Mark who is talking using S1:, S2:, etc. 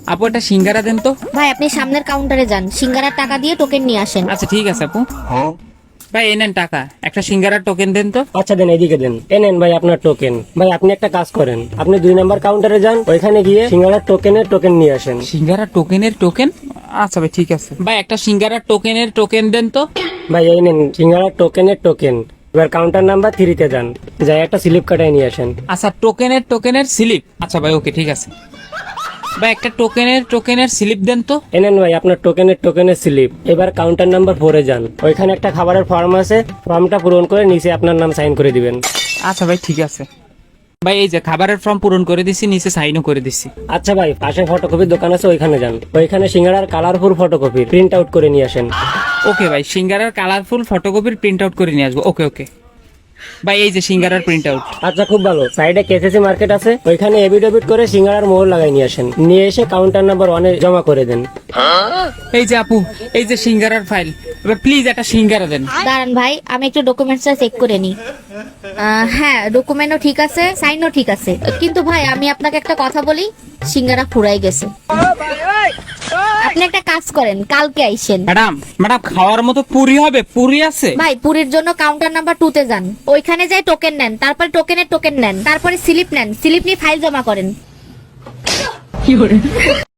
S1: আপু একটা সিঙ্গারা দেন তো।
S2: ভাই আপনি সামনের কাউন্টারে যান, সিঙ্গারার টাকা দিয়ে টোকেন নিয়ে আসেন।
S1: আচ্ছা ঠিক আছে আপু। ভাই এই নেন টাকা, একটা সিঙ্গারার টোকেন দেন তো।
S3: আচ্ছা দেন, এদিকে দেন। নেন ভাই আপনার টোকেন। ভাই আপনি একটা কাজ করেন, আপনি 2 নাম্বার কাউন্টারে যান, ওইখানে গিয়ে সিঙ্গারার টোকেনের টোকেন নিয়ে আসেন।
S1: সিঙ্গারা টোকেনের টোকেন? আচ্ছা ভাই ঠিক আছে। ভাই একটা সিঙ্গারার টোকেনের টোকেন দেন তো।
S3: ভাই এই নেন সিঙ্গারার টোকেনের টোকেন। এবার কাউন্টার নাম্বার 3-তে যান, যাই একটা স্লিপ কাটায় নিয়ে আসেন।
S1: আচ্ছা টোকেনের স্লিপ। আচ্ছা ভাই ওকে ঠিক আছে। ভাই একটা টোকেনের স্লিপ দেন তো।
S3: নেন ভাই আপনার টোকেনের স্লিপ। এবার কাউন্টার নাম্বার 4-এ যান, ওইখানে একটা খাবারের ফর্ম আছে, ফর্মটা পূরণ করে নিচে আপনার নাম সাইন করে দিবেন।
S1: আচ্ছা ভাই ঠিক আছে। ভাই এই যে খাবারের ফর্ম পূরণ করে দিছি, নিচে সাইনও করে দিছি।
S3: আচ্ছা ভাই পাশে ফটোকপির দোকান আছে, ওইখানে যান, ওইখানে সিঙ্গারার কালারফুল ফটোকপি প্রিন্ট আউট করে নিয়ে আসেন।
S1: ওকে ভাই, সিঙ্গারার কালারফুল ফটোকপির প্রিন্ট আউট করে নিয়ে আসবো। ওকে ওকে ভাই, এই যে সিঙ্গারার প্রিন্ট আউট।
S3: আচ্ছা খুব ভালো। সাইডে কেসিসি মার্কেট আছে, ওইখানে এবিডেবিট করে সিঙ্গারার মোহর লাগাই নিয়ে আসেন, নিয়ে এসে কাউন্টার নাম্বার 1-এ জমা করে দেন।
S1: এই যে আপু, এই যে সিঙ্গারার ফাইল। এবার প্লিজ একটা সিঙ্গারা দেন।
S2: দাঁড়ান ভাই, আমি একটু ডকুমেন্টসটা চেক করে নিই। হ্যাঁ, ডকুমেন্টও ঠিক আছে, সাইনও ঠিক আছে, কিন্তু ভাই আমি আপনাকে একটা কথা বলি, সিঙ্গারা ফুরাই গেছে। আপনি একটা কাজ করেন, কালকে আইসেন।
S1: ম্যাডাম খাওয়ার মতো পুরি হবে? পুরি আছে?
S2: ভাই পুরীর জন্য কাউন্টার নাম্বার 2-তে যান, ওইখানে যাই টোকেন নেন, তারপরে টোকেনের টোকেন নেন, তারপরে স্লিপ নেন, স্লিপ নিয়ে ফাইল জমা করেন।